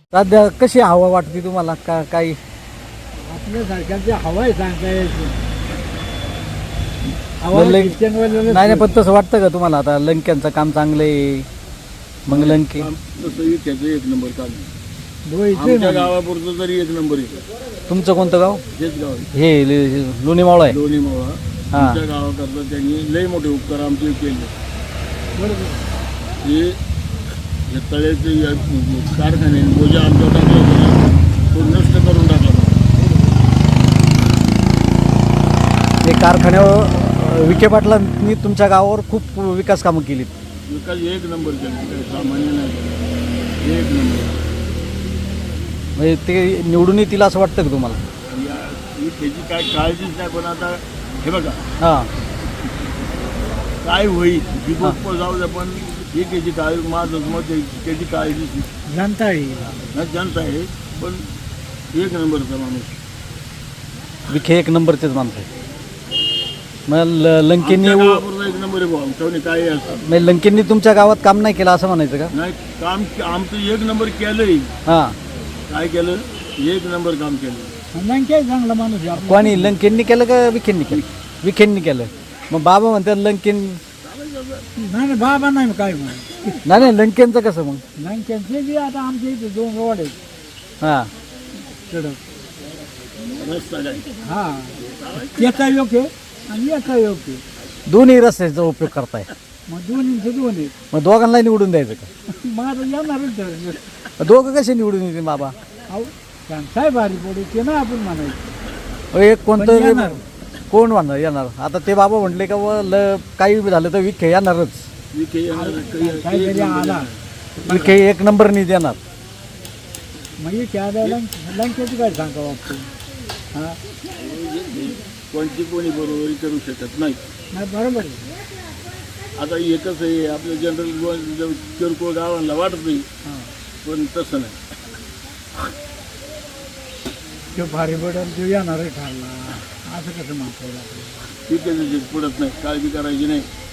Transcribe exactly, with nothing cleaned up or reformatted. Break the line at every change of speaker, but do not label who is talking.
सध्या कशी हवा वाटते तुम्हाला का काही
आपल्या सारख्यांची हवा आहे सांगता यायची
लंक- नाही नाही पण तसं वाटतं का तुम्हाला आता लंक्यांचं काम चांगलं आहे मग लंके
तसंही त्याचं एक नंबर काम आहे. आमच्या गावापुरतं तरी एक नंबर आहे.
तुमचं कोणतं गाव
हेच गाव आहे.
हे ल- लोणी मावळ आहे
दोन्ही मावळा
हा.
आमच्या गावाकरता त्यांनी लई मोठे उपकार आमचे केले. हे हे तळ्याचे या कारखाने बोजा आमच्या टाकला होता तो नष्ट करून टाकला.
ते कारखान्यावर विखे पाटलांनी तुमच्या गावावर खूप विकास कामं केली
विकास एक नंबर केला. काही सामान्य नाही केला. एक नंबर.
म्हणजे ते निवडून येतील असं वाटतं का तुम्हाला
या- ही त्याची काय काळजीच नाही. पण आता हे बघा
हां
काय होईल ही गोष्ट जाऊ द्या पण ही त्याची काळजी माझं मत आहे, त्याची काळजीच नाही.
जनता आहे
नाही जनता आहे पण एक नंबरचा माणूस.
विखे एक नंबरचेच माणसं आहे मग ल- लंकेंनी
आमच्या गावापुरता एक नंबर आहे भाऊ आमच्यावर काही असतं
म्हणजे लंकेंनी तुमच्या गावात काम नाही केलं असं म्हणायचं का
नाही. काम आमचं एक नंबर केलंय.
हां
काय केलं एक नंबर काम केलं.
नाही काय चांगला माणूस आहे आपला.
कोणी लंकेंनी केलं का विखेंनी केलं विखेंनी केलं मग बाबा म्हणतात लंकेन
नाही नाही बाबा नाही काय म्हणून
नाही नाही लंकेंचं कसं मग
नाही त्यांचे बी आता आमच्या इथे दोन रोड आहेत
हां
कडक
रस्ता काय
हा याचा योग्य आणि याचा योग्य
दोन्ही रस्त्याचा उपयोग करताय
मग दोन्हीचे दोन आहेत
मग दोघांना निवडून द्यायचं का
मग आता येणारच तर
मग दोघं कसे निवडून येतील बाबा
अहो काय भारी पडू ते ना आपण म्हणायचं
अहो, एक
पण
कोणतं
येणार.
कोण म्हणणार येणार आता ते बाबा म्हटले का व ल काही बी झालं तर विखे येणारच
विखे येणार, काही-
काय
काही एक
तरी
नंबर
आला
येणार.
विखे एक नंबरनी देणार
मग त्या लंकेची काय सांगा वाटतो हा
कोणती कोणी बरोबरी करू शकत नाही.
नाही बरोबर आहे
आता एकच आहे आपल्या जनरल किरकोळ गावांना वाटत नाही
हां
पण तसं नाही.
तो भारी पडेल तो येणार आहे ठरला असं कसं म्हणता येईल आपल्याला
ठीक आहे पडत नाही काळजी करायची नाही.